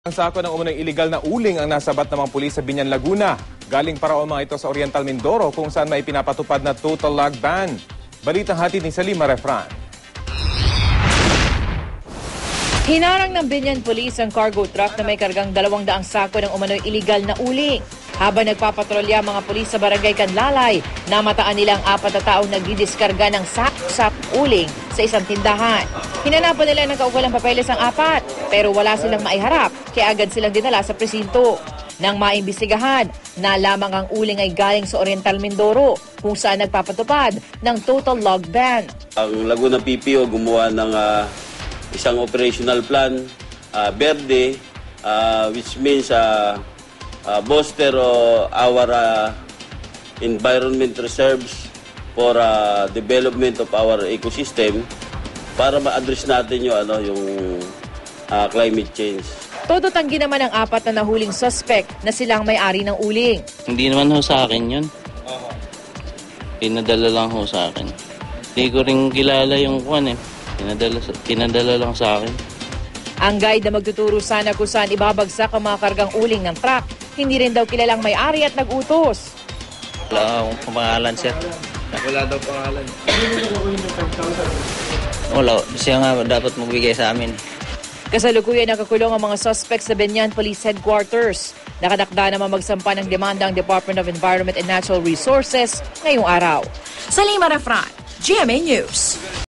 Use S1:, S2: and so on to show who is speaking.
S1: Ang sako ng umunong iligal na uling ang nasabat ng mga pulis sa Biñan, Laguna. Galing para mga ito sa Oriental Mindoro kung saan may pinapatupad na total log ban. Balitang hatid ni Salima Refran.
S2: Hinarang ng Biñan Police ang cargo truck na may kargang 200 sako ng umano'y iligal na uling. Habang nagpapatrolya mga pulis sa barangay Canlalay, namataan nilang 4 na taong nagdidiskarga ng sak-sak uling sa isang tindahan. Hinanapan nila ng kaukulang papeles ang 4, pero wala silang maiharap, kaya agad silang dinala sa presinto. Nang maimbestigahan, nalamang ang uling ay galing sa Oriental Mindoro, kung saan nagpapatupad ng total log ban.
S3: Ang Laguna PPO gumawa ng isang operational plan, Verde, which means bolster our environment reserves for development of our ecosystem para ma-address natin yung climate change.
S2: Todo tanggi naman ang 4 na nahuling suspect na silang may-ari ng uling.
S4: Hindi naman ho sa akin yun. Pinadala lang ho sa akin. Hindi ko rin kilala yung kwan eh. Pinadala lang sa akin.
S2: Ang guide na magtuturo sana kung saan ibabagsak ang mga kargang uling ng truck. Hindi rin daw kilalang may-ari at nag-utos.
S4: Wala akong pangalan, sir.
S1: Wala daw pangalan.
S4: Wala. Siya nga dapat magbigay sa amin.
S2: Kasalukuyan nakakulong ang mga suspects sa Biñan Police Headquarters. Nakadakda naman magsampa ng demanda ang Department of Environment and Natural Resources ngayong araw. Salima Refran, GMA News.